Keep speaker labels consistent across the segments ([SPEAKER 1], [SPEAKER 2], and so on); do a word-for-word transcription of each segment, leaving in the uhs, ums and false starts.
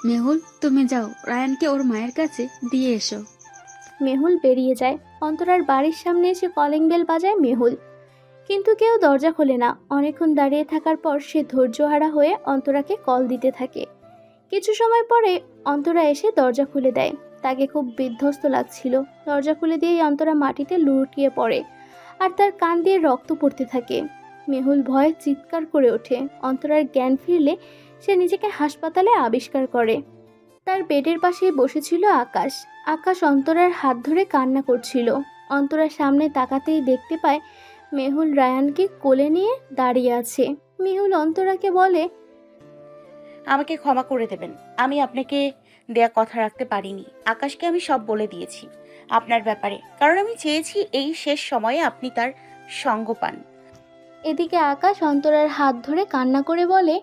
[SPEAKER 1] মেহুল, তুমি যাও রায়ানকে ওর মায়ের কাছে দিয়ে এসো।
[SPEAKER 2] মেহুল বেরিয়ে যায়। অন্তরার বাড়ির সামনে এসে কলিং বেল বাজায় মেহুল, কিন্তু কেউ দরজা খোলে না। অনেকক্ষণ দাঁড়িয়ে থাকার পর সে ধৈর্যহারা হয়ে অন্তরাকে কল দিতে থাকে। কিছু সময় পরে অন্তরা এসে দরজা খুলে দেয়। তাকে খুব বিধ্বস্ত লাগছিল। দরজা খুলে দিয়েই অন্তরা মাটিতে লুটিয়ে পড়ে আর তার কান দিয়ে রক্ত পড়তে থাকে। মেহুল ভয়ে চিৎকার করে ওঠে। অন্তরার জ্ঞান ফিরলে সে নিজেকে হাসপাতালে আবিষ্কার করে। তার বেডের পাশেই বসেছিল আকাশ। আকাশ অন্তরার হাত ধরে কান্না করছিল। অন্তরার সামনে তাকাতেই দেখতে পায় মেহুল রায়ানকে কোলে নিয়ে দাঁড়িয়ে আছে। মেহুল অন্তরাকে বলে,
[SPEAKER 3] আমাকে ক্ষমা করে দেবেন। আমি আপনাকে দেয়া কথা রাখতে পারিনি। আকাশকে আমি সব বলে দিয়েছি আপনার ব্যাপারে, কারণ আমি চেয়েছি এই শেষ সময়ে আপনি তার সঙ্গ পান।
[SPEAKER 2] এদিকে আকাশ অন্তরার হাত ধরে কান্না করে বলে,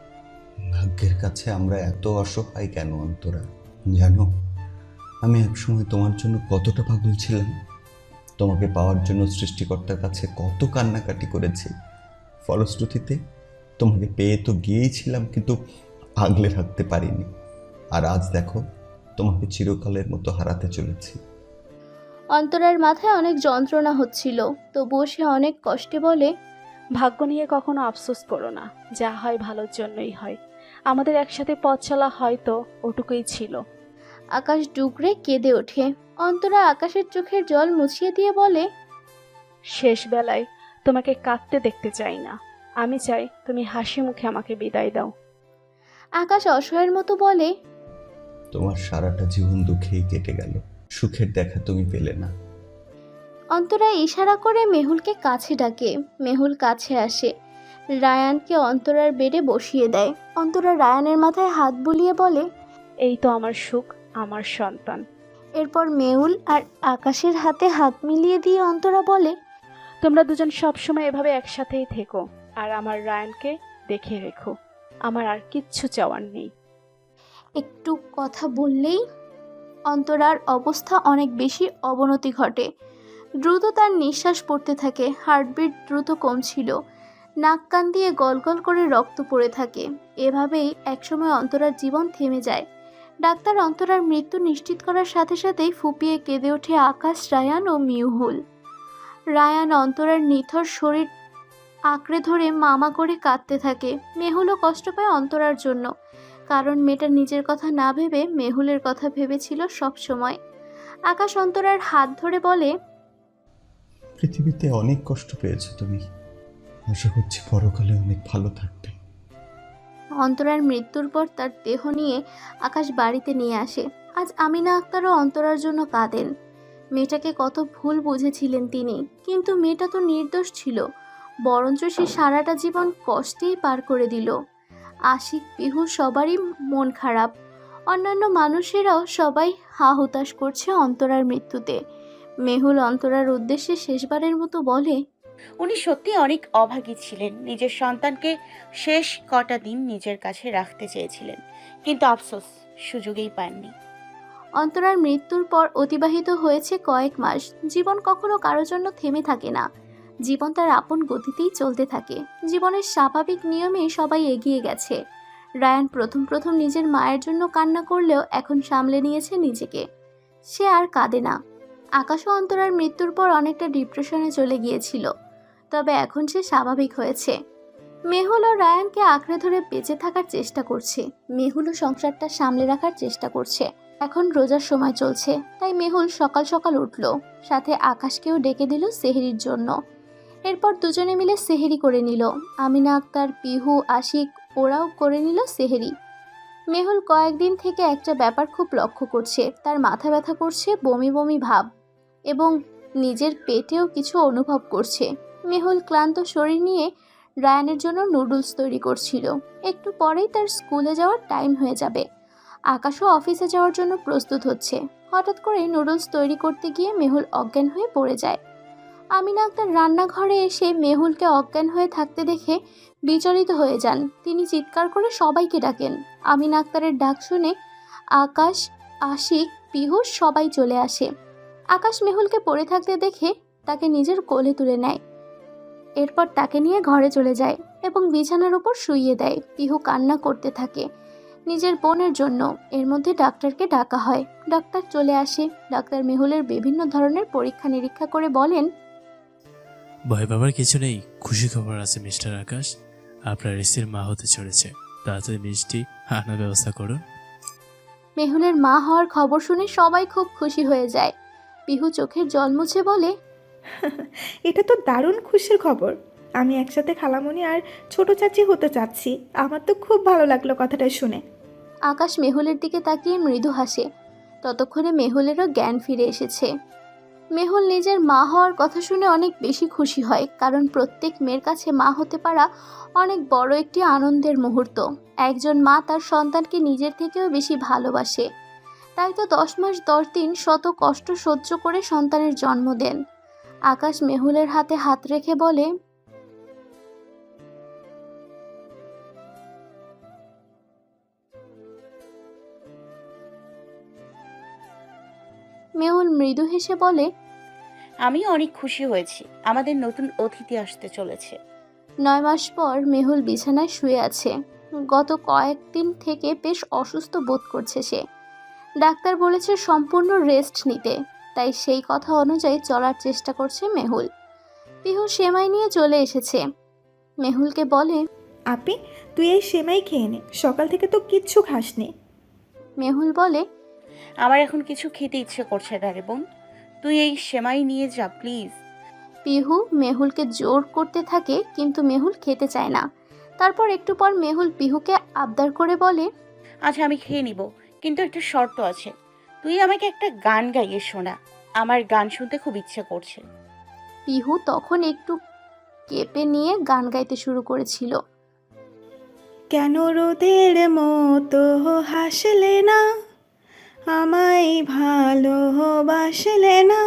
[SPEAKER 4] ভাগ্যের কাছে আমরা এত অসহায় কেন অন্তরা? জানো, আমি একসময় তোমার জন্য কতটা পাগল ছিলাম। তোমাকে পাওয়ার জন্য সৃষ্টিকর্তার কাছে কত কান্নাকাটি করেছি। ফলশ্রুতিতে তোমাকে পেয়ে তো গিয়েছিলাম, কিন্তু আগলে রাখতে পারিনি। আর আজ দেখো, তোমাকে চিরকালের মতো হারাতে চলেছি।
[SPEAKER 2] অন্তরার মাথায় অনেক যন্ত্রণা হচ্ছিল, তবুও সে অনেক কষ্টে বলে,
[SPEAKER 5] ভাগ্য নিয়ে কখনো আফসোস করো না, যা হয় ভালোর জন্যই হয়। আমাদের একসাথে পথ চলা হয়তো ওটুকুই ছিল।
[SPEAKER 2] আকাশ ডুকরে কেঁদে ওঠে। অন্তরা আকাশের চোখের জল মুছিয়ে দিয়ে বলে,
[SPEAKER 5] শেষ বেলায় তোমাকে কাঁদতে দেখতে চাই না। আমি চাই তুমি হাসি মুখে আমাকে বিদায় দাও।
[SPEAKER 2] আকাশ অসহায়ের মতো বলে,
[SPEAKER 4] তোমার সারাটা জীবন দুঃখেই কেটে গেল, সুখের দেখা তুমি পেলে না।
[SPEAKER 2] অন্তরা ইশারা করে মেহুলকে কাছে ডাকে। মেহুল কাছে আসে, রায়ানকে অন্তরার বেডে বসিয়ে দেয়। অন্তরা রায়ানের মাথায় হাত বুলিয়ে বলে,
[SPEAKER 5] এই তো আমার সুখ, আমার সন্তান।
[SPEAKER 2] এরপর মেহুল আর আকাশের হাতে হাত মিলিয়ে দিয়ে অন্তরা বলে,
[SPEAKER 5] তোমরা দুজন সবসময় এভাবে একসাথেই থেকো, আর আমার রায়ানকে দেখে রেখো। আমার আর কিচ্ছু চাওয়ার নেই।
[SPEAKER 2] একটু কথা বললেই অন্তরার অবস্থা অনেক বেশি অবনতি ঘটে। দ্রুত তার নিঃশ্বাস পড়তে থাকে, হার্টবিট দ্রুত কমছিল, নাক কান দিয়ে গলগল করে রক্ত পড়ে থাকে। এভাবেই একসময় অন্তরার জীবন থেমে যায়। ডাক্তার অন্তরার মৃত্যু নিশ্চিত করার সাথে সাথেই ফুপিয়ে কেঁদে ওঠে আকাশ, রায়ান ও মিউহুল। রায়ান অন্তরার নিথর শরীর আঁকড়ে ধরে মামা করে কাঁদতে থাকে। মেহুলও কষ্ট পায় অন্তরার জন্য, কারণ মেয়েটা নিজের কথা না ভেবে মেহুলের কথা ভেবেছিল সব সময়। আকাশ অন্তরার হাত ধরে বলে,
[SPEAKER 4] পৃথিবীতে অনেক কষ্ট পেয়েছো তুমি, আশা করছি পরকালে অনেক ভালো থাকবে।
[SPEAKER 2] অন্তরার মৃত্যুর পর তার দেহ নিয়ে আকাশ বাড়িতে নিয়ে আসে। আজ আমিনা আক্তারও অন্তরার জন্য কাঁদেন। মেয়েটাকে কত ভুল বুঝেছিলেন তিনি, কিন্তু মেয়েটা তো নির্দোষ ছিল, বরঞ্চ সে সারাটা জীবন কষ্টেই পার করে দিল। আশিক, পিহু সবারই মন খারাপ। অন্যান্য মানুষেরাও সবাই হা হুতাশ করছে অন্তরার মৃত্যুতে। মেহুল অন্তরার উদ্দেশ্যে শেষবারের মতো বলে,
[SPEAKER 3] উনি সত্যি অনেক অভাগী ছিলেন। নিজের সন্তানকে শেষ কটা দিন নিজের কাছে রাখতে চেয়েছিলেন, কিন্তু আফসোস সুযোগই পাননি।
[SPEAKER 2] অন্তরার মৃত্যুর পর অতিবাহিত হয়েছে কয়েক মাস। জীবন কখনো কারোর জন্য থেমে থাকে না, জীবন তার আপন গতিতেই চলতে থাকে। জীবনের স্বাভাবিক নিয়মেই সবাই এগিয়ে গেছে। রায়ান প্রথম প্রথম নিজের মায়ের জন্য কান্না করলেও এখন সামলে নিয়েছে নিজেকে, সে আর কাঁদে না। আকাশও অন্তরার মৃত্যুর পর অনেকটা ডিপ্রেশনে চলে গিয়েছিল, তবে এখন সে স্বাভাবিক হয়েছে। মেহুল ও রায়ানকে আঁকড়ে ধরে বেঁচে থাকার চেষ্টা করছে। মেহুলও সংসারটা সামলে রাখার চেষ্টা করছে। এখন রোজার সময় চলছে, তাই মেহুল সকাল সকাল উঠল, সাথে আকাশকেও ডেকে দিল সেহরির জন্য। এরপর দুজনে মিলে সেহরি করে নিল। আমিনা আক্তার, পিহু, আশিক ওরাও করে নিল সেহরি। মেহুল কয়েকদিন থেকে একটা ব্যাপার খুব লক্ষ্য করছে, তার মাথা ব্যথা করছে, বমি বমি ভাব, এবং নিজের পেটেও কিছু অনুভব করছে। মেহুল ক্লান্ত শরীর নিয়ে রায়ানের জন্য নুডলস তৈরি করছিল। একটু পরেই তার স্কুলে যাওয়ার টাইম হয়ে যাবে। আকাশও অফিসে যাওয়ার জন্য প্রস্তুত হচ্ছে। হঠাৎ করে নুডলস তৈরি করতে গিয়ে মেহুল অজ্ঞান হয়ে পড়ে যায়। আমিনা আক্তার রান্নাঘরে এসে মেহুলকে অজ্ঞান হয়ে থাকতে দেখে বিচলিত হয়ে যান। তিনি চিৎকার করে সবাইকে ডাকেন। আমিনা আক্তারের ডাক শুনে আকাশ, আশিক, পিহু সবাই চলে আসে। আকাশ মেহুলকে পড়ে থাকতে দেখে তাকে নিজের কোলে তুলে নেয়। এরপর তাকে নিয়ে ঘরে চলে যায় এবং বিছানার উপর শুইয়ে দেয়। পিহু কান্না করতে থাকে। নিজের বোনের জন্য। এর মধ্যে ডাক্তারকে ডাকা হয়। ডাক্তার চলে আসে। ডাক্তার মেহুলের বিভিন্ন ধরনের পরীক্ষা নিরীক্ষা করে বলেন,
[SPEAKER 6] ভয় পাবার কিছু নেই, খুশি খবর আছে মিস্টার আকাশ, আপনার স্ত্রীর মা হতে চলেছে। তাড়াতাড়ি মিষ্টি আনার ব্যবস্থা করুন।
[SPEAKER 2] মেহুলের মা হওয়ার খবর শুনে সবাই খুব খুশি হয়ে যায়। পিহু চোখের জল মুছে বলে,
[SPEAKER 7] এটা তো দারুণ খুশির খবর। আমি একসাথে খালামণি আর ছোট চাচি হতে চাচ্ছি। আমার তো খুব ভালো লাগলো কথাটা শুনে।
[SPEAKER 2] আকাশ মেহুলের দিকে তাকিয়ে মৃদু হাসে। ততক্ষণে মেহুলেরও জ্ঞান ফিরে এসেছে। মেহুল নিজের মা হওয়ার কথা শুনে অনেক বেশি খুশি হয়, কারণ প্রত্যেক মেয়ের কাছে মা হতে পারা অনেক বড় একটি আনন্দের মুহূর্ত। একজন মা তার সন্তানকে নিজের থেকেও বেশি ভালোবাসে। তাই তো দশ মাস দশ দিন শত কষ্ট সহ্য করে সন্তানের জন্ম দেন। আকাশ মেহুলের হাতে হাত রেখে বলে, মেহুল মৃদু হেসে বলে,
[SPEAKER 3] আমি অনেক খুশি হয়েছি, আমাদের নতুন অতিথি আসতে চলেছে।
[SPEAKER 2] নয় মাস পর মেহুল বিছানায় শুয়ে আছে। গত কয়েকদিন থেকে বেশ অসুস্থ বোধ করছে সে। ডাক্তার বলেছে সম্পূর্ণ রেস্ট নিতে, তাই সেই কথা অনুযায়ী চলার চেষ্টা করছে মেহুল। পিহু সেমাই নিয়ে চলে এসেছে। মেহুলকে বলে,
[SPEAKER 7] আপি, তুই এই সেমাই খেয়ে নে, সকাল থেকে তো কিচ্ছু খাসনি।
[SPEAKER 2] মেহুল বলে,
[SPEAKER 3] আমার এখন কিছু খেতে ইচ্ছে করছে না রে বোন, তুই এই সেমাই নিয়ে যা প্লিজ।
[SPEAKER 2] পিহু মেহুলকে জোর করতে থাকে, কিন্তু মেহুল খেতে চায় না। তারপর একটু পর মেহুল পিহুকে আবদার করে বলে,
[SPEAKER 3] আচ্ছা আমি খেয়ে নিব, কিন্তু একটা শর্ত আছে, তুই আমাকে একটা গান গাইয়ে শোনা, আমার গান শুনতে খুব ইচ্ছে করছে।
[SPEAKER 2] পিহু তখন একটু কেঁপে নিয়ে গান গাইতে শুরু করেছিল।
[SPEAKER 7] কেন রোদের মতো হাসলে না, আমায় ভালোবাসলে না,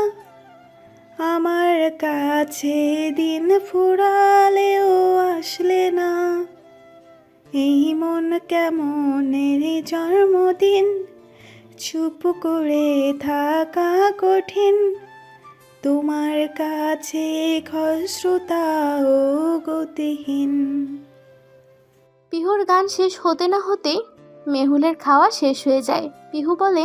[SPEAKER 7] আমার কাছে দিন ফুরালেও আসলে না, এই মন কেমনের জন্মদিন, চুপ করে থাকা কঠিন, তোমার কাছে খসরুতা ও গতিহীন।
[SPEAKER 2] পিহুর গান শেষ হতে না হতেই মেহুলের খাওয়া শেষ হয়ে যায়। পিহু বলে,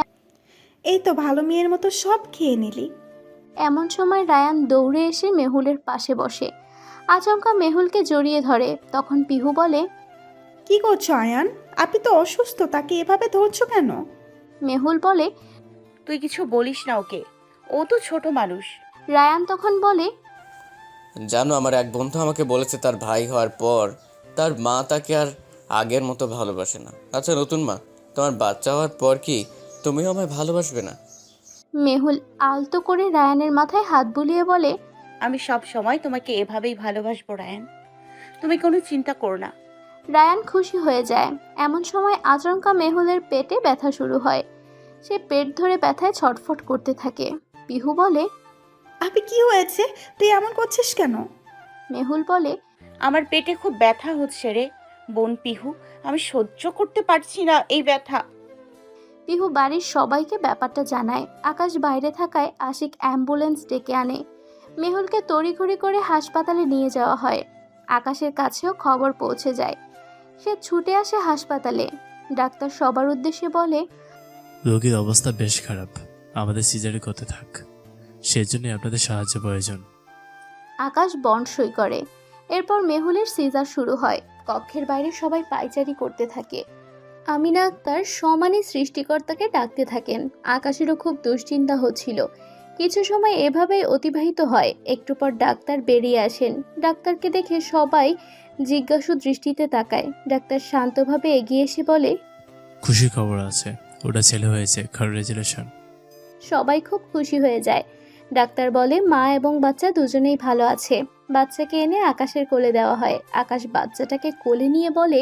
[SPEAKER 7] এই তো ভালো মেয়ের মতো সব খেয়ে নিলি।
[SPEAKER 2] এমন সময় রায়ান দৌড়ে এসে মেহুলের পাশে বসে। আচমকা মেহুলকে জড়িয়ে ধরে। তখন পিহু বলে,
[SPEAKER 7] কি করছো আয়ান? আপনি তো অসুস্থ, তাকে এভাবে ধরছো কেন?
[SPEAKER 2] মেহুল বলে,
[SPEAKER 3] তুই কিছু বলিস না ওকে, ও তো ছোট মানুষ।
[SPEAKER 2] রায়ান তখন বলে,
[SPEAKER 8] জানো, আমার এক বন্ধু আমাকে বলেছে তার ভাই হওয়ার পর তার মা তাকে আর আগের মতো ভালোবাসে না। আচ্ছা নতুন মা, তোমার বাচ্চা হওয়ার পর কি তুমিও আমায় ভালোবাসবে না?
[SPEAKER 2] মেহুল আলতো করে রায়ানের মাথায় হাত বুলিয়ে বলে,
[SPEAKER 3] আমি সব সময় তোমাকে এভাবেই ভালোবাসবো রায়ান, তুমি কোনো চিন্তা করো না।
[SPEAKER 2] রায়ান খুশি হয়ে যায়। এমন সময় আচমকা মেহুলের পেটে ব্যথা শুরু হয়। সে পেট ধরে ব্যথায় ছটফট করতে থাকে। পিহু বলে,
[SPEAKER 7] আপনি কি হয়েছে? তুই এমন করছিস কেন?
[SPEAKER 2] মেহুল বলে,
[SPEAKER 3] আমার পেটে খুব ব্যথা হচ্ছে রে বোন পিহু, আমি সহ্য করতে পারছি না এই ব্যথা।
[SPEAKER 2] পিহু বাড়ির সবাইকে ব্যাপারটা জানায়। আকাশ বাইরে থাকায় আশিক অ্যাম্বুলেন্স ডেকে আনে। মেহুলকে তড়িঘড়ি করে হাসপাতালে নিয়ে যাওয়া হয়। আকাশের কাছেও খবর পৌঁছে যায়। সে ছুটে আসে হাসপাতালে। ডাক্তার সবার উদ্দেশ্যে বলে,
[SPEAKER 6] রোগীর অবস্থা বেশ খারাপ, আমাদের সিজারে করতে থাক, সেজন্য আপনাদের সাহায্য প্রয়োজন।
[SPEAKER 2] আকাশ বন্ড সই করে। এরপর মেহুলের সিজার শুরু হয়। কক্ষের বাইরে সবাই পায়চারি করতে থাকে। আমিনা আক্তার সমানে সৃষ্টিকর্তাকে ডাকতে থাকেন। আকাশেরও খুব দুশ্চিন্তা হচ্ছিল। কিছু সময় এভাবেই অতিবাহিত হয়। একটু পর ডাক্তার বেরিয়ে আসেন। ডাক্তারকে দেখে সবাই জিজ্ঞাসু দৃষ্টিতে তাকায়। ডাক্তার শান্তভাবে এগিয়ে এসে বলে,
[SPEAKER 6] খুশি খবর আছে, ওটা ছেলে হয়েছে, কংগ্রেচুলেশন।
[SPEAKER 2] সবাই খুব খুশি হয়ে যায়। ডাক্তার বলে, মা এবং বাচ্চা দুজনেই ভালো আছে। বাচ্চাকে এনে আকাশের কোলে দেওয়া হয়। আকাশ বাচ্চাটাকে কোলে নিয়ে বলে,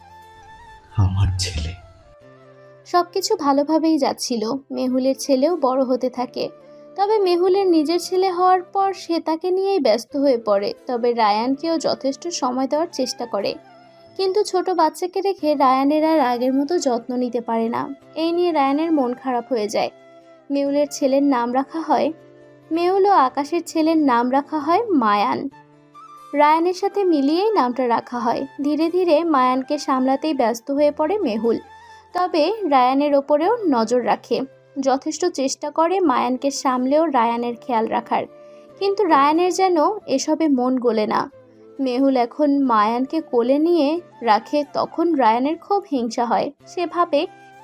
[SPEAKER 4] আমার ছেলে।
[SPEAKER 2] সবকিছু ভালোভাবেই যাচ্ছিল। মেহুলের ছেলেও বড় হতে থাকে। তবে মেহুলের নিজের ছেলে হওয়ার পর সে তাকে নিয়েই ব্যস্ত হয়ে পড়ে। তবে রায়ানকেও যথেষ্ট সময় দেওয়ার চেষ্টা করে, কিন্তু ছোট বাচ্চাকে রেখে রায়ানের আর আগের মতো যত্ন নিতে পারে না। এই নিয়ে রায়ানের মন খারাপ হয়ে যায়। মেহুলের ছেলের নাম রাখা হয় মেহুল ও আকাশের ছেলের নাম রাখা হয় মায়ান। রায়ানের সাথে মিলিয়েই নামটা রাখা হয়। ধীরে ধীরে মায়ানকে সামলাতেই ব্যস্ত হয়ে পড়ে মেহুল। তবে রায়ানের ওপরেও নজর রাখে, যথেষ্ট চেষ্টা করে মায়ানকে সামলেও রায়ানের খেয়াল রাখার, কিন্তু রায়ানের যেন এসবে মন গলে না। মেহুল এখন মায়ানকে কোলে নিয়ে রাখে, তখন রায়ানের খুব হিংসা হয়। সে ভাবে,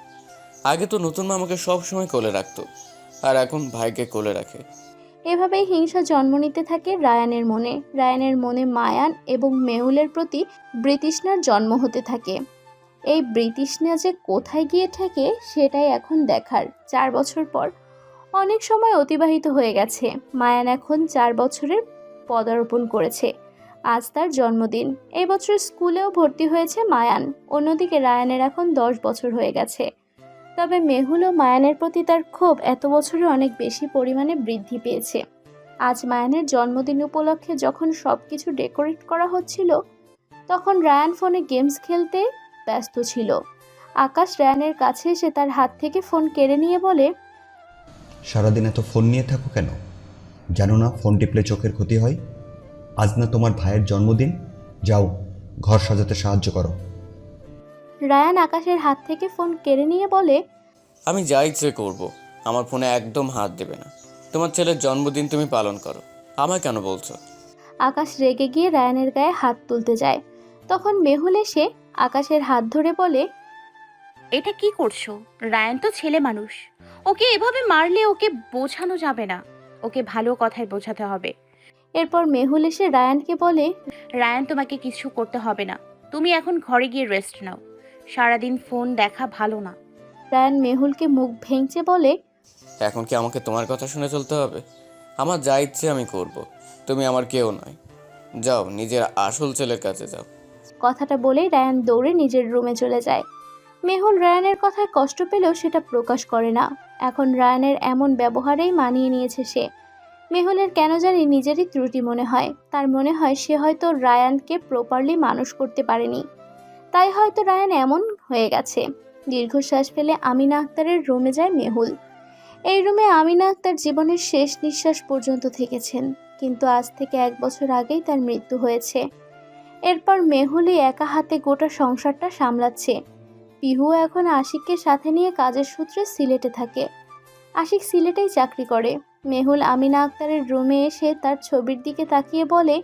[SPEAKER 8] আগে তো নতুন মা আমাকে সব সময় কোলে রাখতো, আর এখন ভাইকে কোলে রাখে।
[SPEAKER 2] এভাবেই হিংসা জন্ম নিতে থাকে রায়ানের মনে। রায়ানের মনে মায়ান এবং মেহুলের প্রতি বৃতৃষ্ণার জন্ম হতে থাকে। এই বৃতৃষ্ণা যে কোথায় গিয়ে ঠেকে সেটাই এখন দেখার। চার বছর পর অনেক সময় অতিবাহিত হয়ে গেছে। মায়ান এখন চার বছরের পদার্পণ করেছে। আজ তার জন্মদিন। এই বছর স্কুলেও ভর্তি হয়েছে মায়ান। অন্যদিকে রায়ানের এখন দশ বছর হয়ে গেছে। তবে মেহুল ও মায়ানের প্রতি তার ক্ষোভ এত বছরে অনেক বেশি পরিমাণে বৃদ্ধি পেয়েছে। আজ মায়ানের জন্মদিন উপলক্ষে যখন সব কিছু ডেকোরেট করা হচ্ছিল, তখন রায়ান ফোনে গেমস খেলতে ব্যস্ত ছিল। আকাশ রায়ানের কাছে এসে তার হাত থেকে ফোন কেড়ে নিয়ে বলে,
[SPEAKER 4] সারাদিন এত ফোন নিয়ে থাকো কেন? জানো না ফোন টিপলে চোখের ক্ষতি হয়? আজ না তোমার ভাইয়ের জন্মদিন, যাও ঘর সাজাতে সাহায্য করো।
[SPEAKER 2] রায়ান আকাশের হাত থেকে ফোন কেড়ে নিয়ে বলে,
[SPEAKER 8] আমি যা ইচ্ছে করব, আমার ফোনে একদম হাত দেবে না। তোমার ছেলের জন্মদিন তুমি পালন করো, আমায় কেন বলছো?
[SPEAKER 2] আকাশ রেগে গিয়ে রায়ানের গায়ে হাত তুলতে যায়। তখন মেহুল এসে আকাশের হাত ধরে বলে,
[SPEAKER 3] এটা কি করছো? রায়ান তো ছেলে মানুষ, ওকে এভাবে মারলে ওকে বোঝানো যাবে না, ওকে ভালো কথায় বোঝাতে হবে।
[SPEAKER 2] এরপর মেহুল এসে রায়ানকে বলে,
[SPEAKER 3] রায়ান, তোমাকে কিছু করতে হবে না, তুমি এখন ঘরে গিয়ে রেস্ট নাও, সারাদিন ফোন দেখা ভালো না।
[SPEAKER 2] রায়ান মেহুলকে মুখ ভেঙচে বলে,
[SPEAKER 8] এখন কি আমাকে তোমার কথা শুনে চলতে হবে? আমার যা ইচ্ছে আমি করব, তুমি আমার কেউ নয়। যাও নিজের আসল ছেলের কাছে যাও।
[SPEAKER 2] কথাটা বলেই রায়ান দৌড়ে নিজের রুমে চলে যায়। মেহুল রায়ানের কথায় কষ্ট পেলেও সেটা প্রকাশ করে না। এখন রায়ানের এমন ব্যবহারেই মানিয়ে নিয়েছে সে। মেহুলের কেন জানি নিজেরই ত্রুটি মনে হয়। তার মনে হয় সে হয়তো রায়ানকে প্রপারলি মানুষ করতে পারেনি, তাই হয়তো রায়ান এমন হয়ে গেছে। দীর্ঘশ্বাস ফেলে আমিনা আক্তারের রুমে যায় মেহুল। এই রুমে আমিনা আক্তার জীবনের শেষ নিঃশ্বাস পর্যন্ত থেকেছেন, কিন্তু আজ থেকে এক বছর আগেই তার মৃত্যু হয়েছে। এরপর মেহুলই একা হাতে গোটা সংসারটা সামলাচ্ছে। পিহু এখন আশিককে সাথে নিয়ে কাজের সূত্রে সিলেটে থাকে। আশিক সিলেটেই চাকরি করে। মেহুল আমিনা আক্তারের রুমে এসে তার ছবির দিকে তাকিয়ে বলে,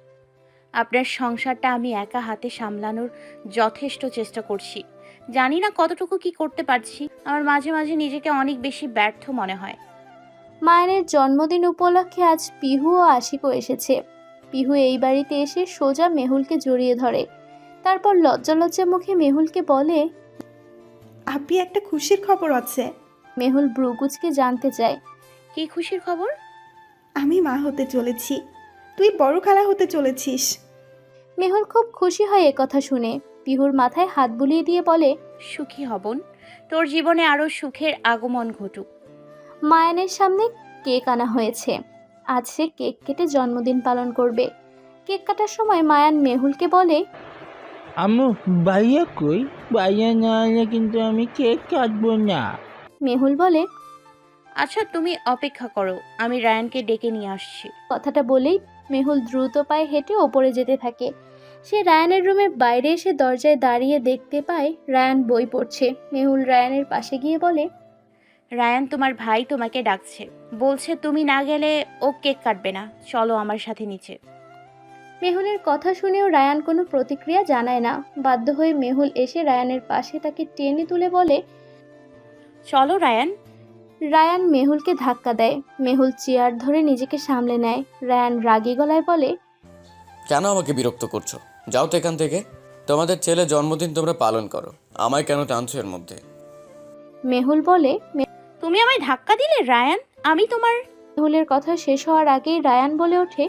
[SPEAKER 3] আপনার সংসারটা আমি একা হাতে সামলানোর যথেষ্ট চেষ্টা করছি, জানি না কতটুকু কি করতে পারছি। আমার মাঝে মাঝে নিজেকে অনেক বেশি ব্যর্থ মনে হয়।
[SPEAKER 2] মায়ের জন্মদিন উপলক্ষে আজ পিহু ও আশিকও এসেছে। পিহু এই বাড়িতে এসে সোজা মেহুলকে জড়িয়ে ধরে। তারপর লজ্জা লজ্জা মুখে মেহুলকে বলে,
[SPEAKER 7] আপনি একটা খুশির খবর আছে।
[SPEAKER 2] মেহুল ব্রুকুচকে জানতে চায়,
[SPEAKER 3] কি খুশির খবর?
[SPEAKER 7] আমি মা হতে চলেছি, তুই বড় খালা হতে চলেছিস।
[SPEAKER 2] মেহুল খুব খুশি হয় একথা শুনে। পিহুর মাথায় হাত বুলিয়ে দিয়ে বলে,
[SPEAKER 3] সুখী হবন, তোর জীবনে আরো সুখের আগমন ঘটুক।
[SPEAKER 2] মায়ানের সামনে কেক আনা হয়েছে। আজ সে কেক কেটে জন্মদিন পালন করবে। কেক কাটার সময় মায়ান মেহুলকে বলে,
[SPEAKER 9] আম্মু ভাইয়া কই? ভাইয়া না এলে কিন্তু আমি কেক কাটবো না।
[SPEAKER 2] মেহুল বলে,
[SPEAKER 3] আচ্ছা তুমি অপেক্ষা করো, আমি রায়ানকে ডেকে নিয়ে আসছি।
[SPEAKER 2] কথাটা বলেই মেহুল দ্রুত পায়ে হেঁটে ওপরে যেতে থাকে। সে রায়ানের রুমের বাইরে এসে দরজায় দাঁড়িয়ে দেখতে পায় রায়ান বই পড়ছে। মেহুল রায়ানের পাশে গিয়ে বলে,
[SPEAKER 3] রায়ান, তোমার ভাই তোমাকে ডাকছে, বলছে তুমি না গেলে ও কেক কাটবে না, চলো আমার সাথে নিচে।
[SPEAKER 2] মেহুলের কথা শুনেও রায়ান কোনো প্রতিক্রিয়া জানায় না। বাধ্য হয়ে মেহুল এসে রায়ানের পাশে তাকে টেনে তুলে বলে,
[SPEAKER 3] চলো রায়ান।
[SPEAKER 2] রায়ান মেহুলকে ধাক্কা দেয়। মেহুল চেয়ার ধরে নিজেকে সামলে নেয়। রায়ান রাগী গলায় বলে,
[SPEAKER 8] কেন আমাকে বিরক্ত করছো? যাও তো এখান থেকে। তোমাদের ছেলে জন্মদিন তোমরা পালন করো, আমায় কেন টানছো এর মধ্যে?
[SPEAKER 2] মেহুল বলে,
[SPEAKER 3] তুমি আমায় ধাক্কা দিলে রায়ান, আমি তোমার।
[SPEAKER 2] মেহুলের কথা শেষ হওয়ার আগেই রায়ান বলে ওঠে,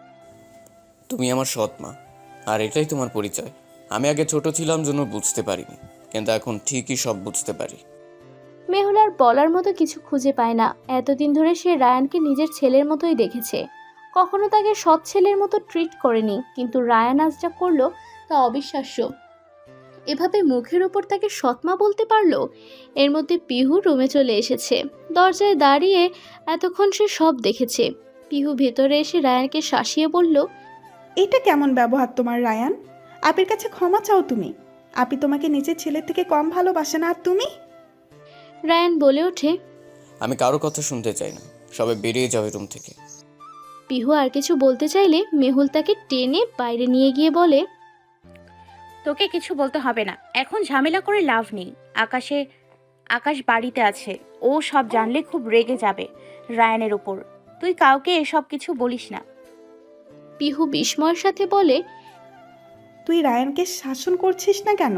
[SPEAKER 8] তুমি আমার সৎ মা, আর এটাই তোমার পরিচয়। আমি আগে ছোট ছিলাম জন্য বুঝতে পারিনি, কিন্তু এখন ঠিকই সব বুঝতে পারি।
[SPEAKER 2] মেহুল আর বলার মতো কিছু খুঁজে পায় না। এতদিন ধরে সে রায়ানকে নিজের ছেলের মতোই দেখেছে, কখনো তাকে সৎ ছেলের মতো ট্রিট করেনি, কিন্তু রায়ান আজ যা করলো তা অবিশ্বাস্য। এভাবে মুখের ওপর তাকে সৎমা বলতে পারলো। এর মধ্যে পিহু রুমে চলে এসেছে। দরজায় দাঁড়িয়ে এতক্ষণ সে সব দেখেছে। পিহু ভেতরে এসে রায়ানকে শাসিয়ে বলল,
[SPEAKER 7] এটা কেমন ব্যবহার তোমার রায়ান? আপির কাছে ক্ষমা চাও তুমি। আপি তোমাকে নিজের ছেলের থেকে কম ভালোবাসে না, আর তুমি?
[SPEAKER 2] রায়ান বলে ওঠে।
[SPEAKER 8] আমি কারো কথা শুনতে চাই না, সবাই বেরিয়ে যাবে রুম থেকে।
[SPEAKER 2] পিহু আর কিছু বলতে চাইলে মেহুল তাকে টেনে বাইরে নিয়ে গিয়ে বলে,
[SPEAKER 3] তোকে কিছু বলতে হবে না, এখন ঝামেলা করে লাভ নেই। আকাশে আকাশ বাড়িতে আছে, ও সব জানলে খুব রেগে যাবে রায়ানের উপর। তুই কাউকে এসব কিছু বলিস না।
[SPEAKER 2] পিহু বিস্ময়ের সাথে বলে,
[SPEAKER 7] তুই রায়ানকে শাসন করছিস না কেন?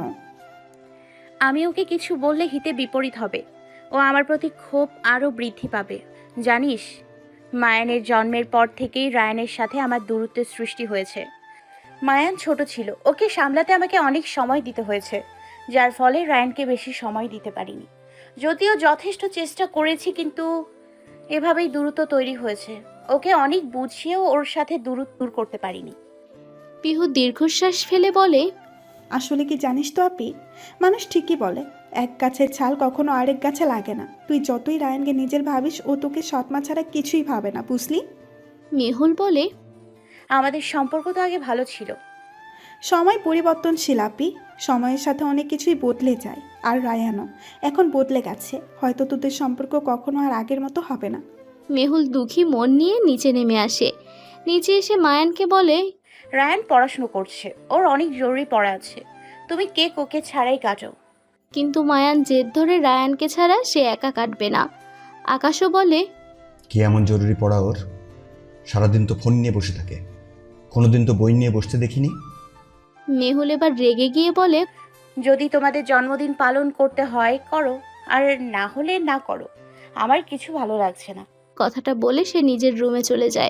[SPEAKER 3] আমি ওকে কিছু বললে হিতে বিপরীত হবে, ও আমার প্রতি ক্ষোভ আরও বৃদ্ধি পাবে। জানিস, মায়ানের জন্মের পর থেকেই রায়ানের সাথে আমার দূরত্বের সৃষ্টি হয়েছে। মায়ান ছোট ছিল, ওকে সামলাতে আমাকে অনেক সময় দিতে হয়েছে, যার ফলে রায়ানকে বেশি সময় দিতে পারিনি। যদিও যথেষ্ট চেষ্টা করেছি, কিন্তু এভাবেই দূরত্ব তৈরি হয়েছে। ওকে অনেক বুঝিয়েও ওর সাথে দূরত্ব দূর করতে পারিনি।
[SPEAKER 2] পিহু দীর্ঘশ্বাস ফেলে বলে,
[SPEAKER 7] আসলে কি জানিস তো আপি, মানুষ ঠিকই বলে এক গাছের ছাল কখনো আরেক গাছে লাগে না। তুই যতই রায়ানকে নিজের ভাবিস, ও তোকে সৎমা ছাড়া কিছুই ভাবে না, বুঝলি?
[SPEAKER 2] মেহুল বলে,
[SPEAKER 3] আমাদের সম্পর্ক তো আগে ভালো ছিল।
[SPEAKER 7] সময় পরিবর্তনশীল আপি, সময়ের সাথে অনেক কিছুই বদলে যায়। আর রায়ানও এখন বদলে গেছে, হয়তো তোদের সম্পর্ক কখনো আর আগের মতো হবে না।
[SPEAKER 2] মেহুল দুঃখী মন নিয়ে নিচে নেমে আসে। নিচে এসে মায়ানকে বলে,
[SPEAKER 3] রায়ান পড়াশুনো করছে, ওর অনেক জরুরি পড়া আছে, তুমি কেক ওকে ছাড়াই কাটো।
[SPEAKER 2] কিন্তু মায়ান জেদ ধরে রায়ানকে ছাড়া সে একা কাটবে না। আকাশও বলে,
[SPEAKER 4] কি এমন জরুরি পড়া ওর? সারাদিন তো ফোন নিয়ে বসে থাকে, কোনোদিন তো বই নিয়ে বসতে দেখিনি।
[SPEAKER 2] মেহুল এবার রেগে গিয়ে বলে,
[SPEAKER 3] যদি তোমাদের জন্মদিন পালন করতে হয় করো, আর না হলে না করো, আমার কিছু ভালো লাগছে না।
[SPEAKER 2] কথাটা বলে সে নিজের রুমে চলে যায়।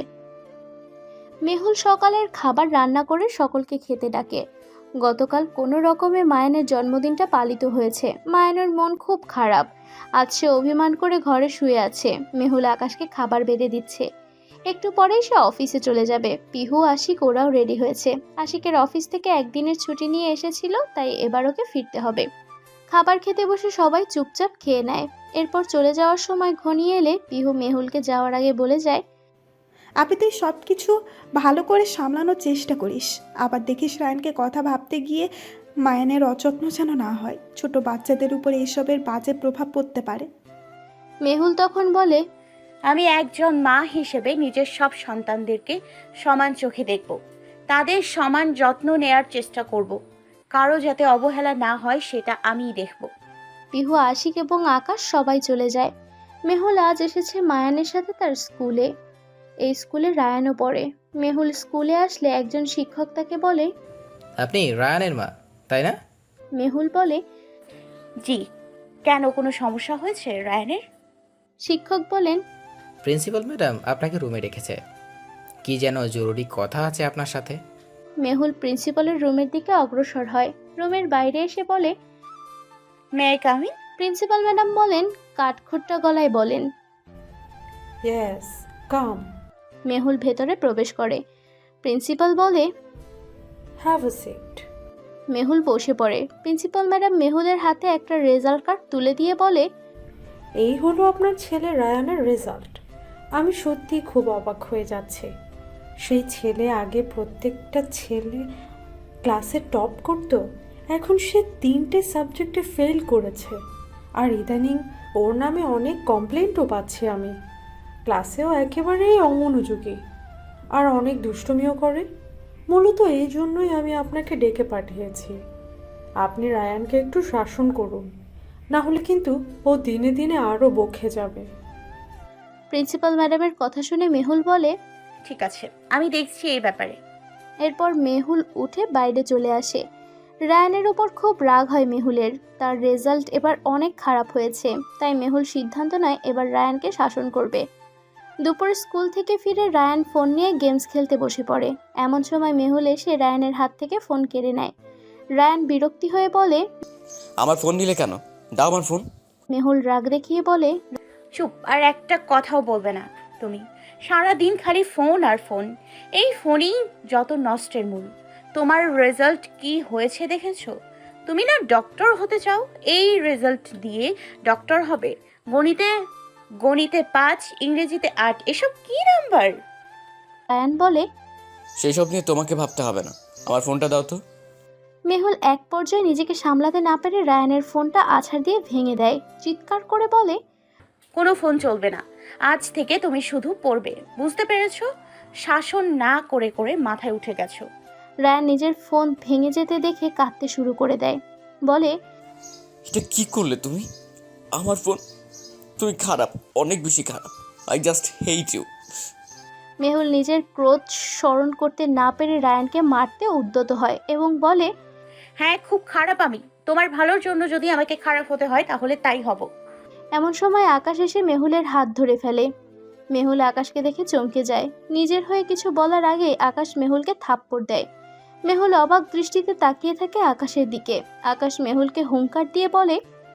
[SPEAKER 2] মেহুল সকালের খাবার রান্না করে সকলকে খেতে ডাকে। গতকাল কোনো রকমে মায়ানের জন্মদিনটা পালিত হয়েছে। মায়ানের মন খুব খারাপ। আজ সে অভিমান করে ঘরে শুয়ে আছে। মেহুল আকাশকে খাবার বেড়ে দিচ্ছে। একটু পরেই সে অফিসে চলে যাবে। পিহু, আশিক ওরাও রেডি হয়েছে। আশিকের অফিস থেকে একদিনের ছুটি নিয়ে এসেছিল, তাই এবার ওকে ফিরতে হবে। খাবার খেতে বসে সবাই চুপচাপ খেয়ে নেয়। এরপর চলে যাওয়ার সময় ঘনিয়ে এলে পিহু মেহুলকে যাওয়ার আগে বলে যায়,
[SPEAKER 7] আপনি তুই সব কিছু ভালো করে সামলানোর চেষ্টা করিস। আবার দেখিস রায়ানকে কথা ভাবতে গিয়ে মায়ানের অযত্ন যেন না হয়। ছোট বাচ্চাদের উপর এইসবের বাজে প্রভাব পড়তে পারে।
[SPEAKER 2] মেহুল তখন বলে,
[SPEAKER 3] আমি একজন মা হিসেবে নিজের সব সন্তানদেরকে সমান চোখে দেখব, তাদের সমান যত্ন নেয়ার চেষ্টা করব। কারো যাতে অবহেলা না হয় সেটা আমিই দেখব।
[SPEAKER 2] পিহু, আশিক এবং আকাশ সবাই চলে যায়। মেহুল আজ এসেছে মায়ানের সাথে তার স্কুলে। এই স্কুলে রায়ানও পড়ে। মেহুল স্কুলে আসলে একজন শিক্ষক তাকে বলে,
[SPEAKER 10] আপনি রায়ানের মা, তাই না?
[SPEAKER 2] মেহুল বলে,
[SPEAKER 3] জি। কেন, কোনো সমস্যা হয়েছে রায়ানের?
[SPEAKER 2] শিক্ষক বলেন,
[SPEAKER 10] প্রিন্সিপাল ম্যাডাম আপনাকে রুমে রেখেছে, কি যেন জরুরি কথা আছে আপনার সাথে।
[SPEAKER 2] মেহুল প্রিন্সিপালের রুমের দিকে অগ্রসর হয়। রুমের বাইরে এসে বলে,
[SPEAKER 3] may I come in?
[SPEAKER 2] Principal madam বলেন, কাঠখোট্টা গলায় বলেন।
[SPEAKER 11] ইয়েস, কাম।
[SPEAKER 2] মেহুল ভেতরে প্রবেশ করে। প্রিন্সিপাল বলে,
[SPEAKER 11] হ্যাভ আ সিট।
[SPEAKER 2] মেহুল বসে পড়ে। প্রিন্সিপাল ম্যাডাম মেহুলের হাতে একটা রেজাল্ট কার্ড তুলে দিয়ে বলে,
[SPEAKER 11] এই হলো আপনার ছেলে রায়ানের রেজাল্ট। আমি সত্যি খুব অবাক হয়ে যাচ্ছি। সেই ছেলে আগে প্রত্যেকটা ছেলে ক্লাসে টপ করত, এখন সে তিনটে সাবজেক্টে ফেল করেছে। আর ইদানিং ওর নামে অনেক কমপ্লেন্টও পাচ্ছি আমি। ক্লাসেও একেবারেই অমনোযোগী আর অনেক দুষ্টুমিও করে। মূলত এই জন্যই আমি আপনাকে ডেকে পাঠিয়েছি। আপনি রায়ানকে একটু শাসন করুন, না হলে কিন্তু ও দিনে দিনে আরও বকে যাবে।
[SPEAKER 2] প্রিন্সিপাল ম্যাডামের কথা শুনে মেহুল বলে,
[SPEAKER 3] ঠিক আছে, আমি দেখছি এই ব্যাপারে।
[SPEAKER 2] এরপর মেহুল উঠে বাইরে চলে আসে। রায়ানের ওপর খুব রাগ হয় মেহুলের। তার রেজাল্ট এবার অনেক খারাপ হয়েছে, তাই মেহুল সিদ্ধান্ত নেয় এবার রায়ানকে শাসন করবে। দুপুর স্কুল থেকে ফিরে রায়ান ফোন নিয়ে গেমস খেলতে বসে পড়ে। এমন সময় মেহুল এসে রায়ানের হাত থেকে ফোন কেড়ে নেয়। রায়ান বিরক্তি হয়ে বলে,
[SPEAKER 8] আমার ফোন নিলে কেন? দাও আমার ফোন।
[SPEAKER 2] মেহুল রাগ দেখিয়ে বলে,
[SPEAKER 3] চুপ, আর একটা কথাও বলবে না তুমি। সারা দিন খালি ফোন আর ফোন, এই ফোনই যত নষ্টের মূল। তোমার রেজাল্ট কি হয়েছে দেখেছো? তুমি না ডক্টর হতে চাও, এই রেজাল্ট দিয়ে ডক্টর হবে। গণিতে গণিতে পাঁচ, ইংরেজিতে আট, এসব কি নাম্বার?
[SPEAKER 2] রায়ান বলে,
[SPEAKER 8] সেই সব নিয়ে তোমাকে ভাবতে হবে না। আমার ফোনটা দাও তো।
[SPEAKER 2] মেহুল এক পর্যায়ে নিজেকে সামলাতে না পেরে রায়ানের ফোনটা আছাড় দিয়ে ভেঙে দেয়। চিৎকার করে বলে,
[SPEAKER 3] কোনো ফোন চলবে না, আজ থেকে তুমি শুধু পড়বে, বুঝতে পেরেছো? শাসন না করে করে মাথায় উঠে গেছো।
[SPEAKER 2] রায়ান নিজের ফোন ভেঙে যেতে দেখে কাঁদতে শুরু করে দেয়। বলে,
[SPEAKER 8] এটা কি করলে তুমি? আমার ফোন? তুমি খারাপ, অনেক বেশি খারাপ। I just hate you.
[SPEAKER 2] Mehul নিজের ক্রোধ স্মরণ করতে না পেরে রায়ানকে মারতে উদ্যত হয় এবং বলে,
[SPEAKER 3] হ্যাঁ, খুব খারাপ আমি। তোমার ভালোর জন্য যদি আমাকে খারাপ হতে হয় তাহলে তাই হব।
[SPEAKER 2] এমন সময় আকাশ এসে মেহুলের হাত ধরে ফেলে। মেহুল আকাশকে দেখে চমকে যায়। নিজের হয়ে কিছু বলার আগে আকাশ মেহুলকে থাপ্পড় দেয়। মেহুল অবাক দৃষ্টিতে তাকিয়ে থাকে আকাশের দিকে। আকাশ মেহুলকে হুঙ্কার দিয়ে বলে,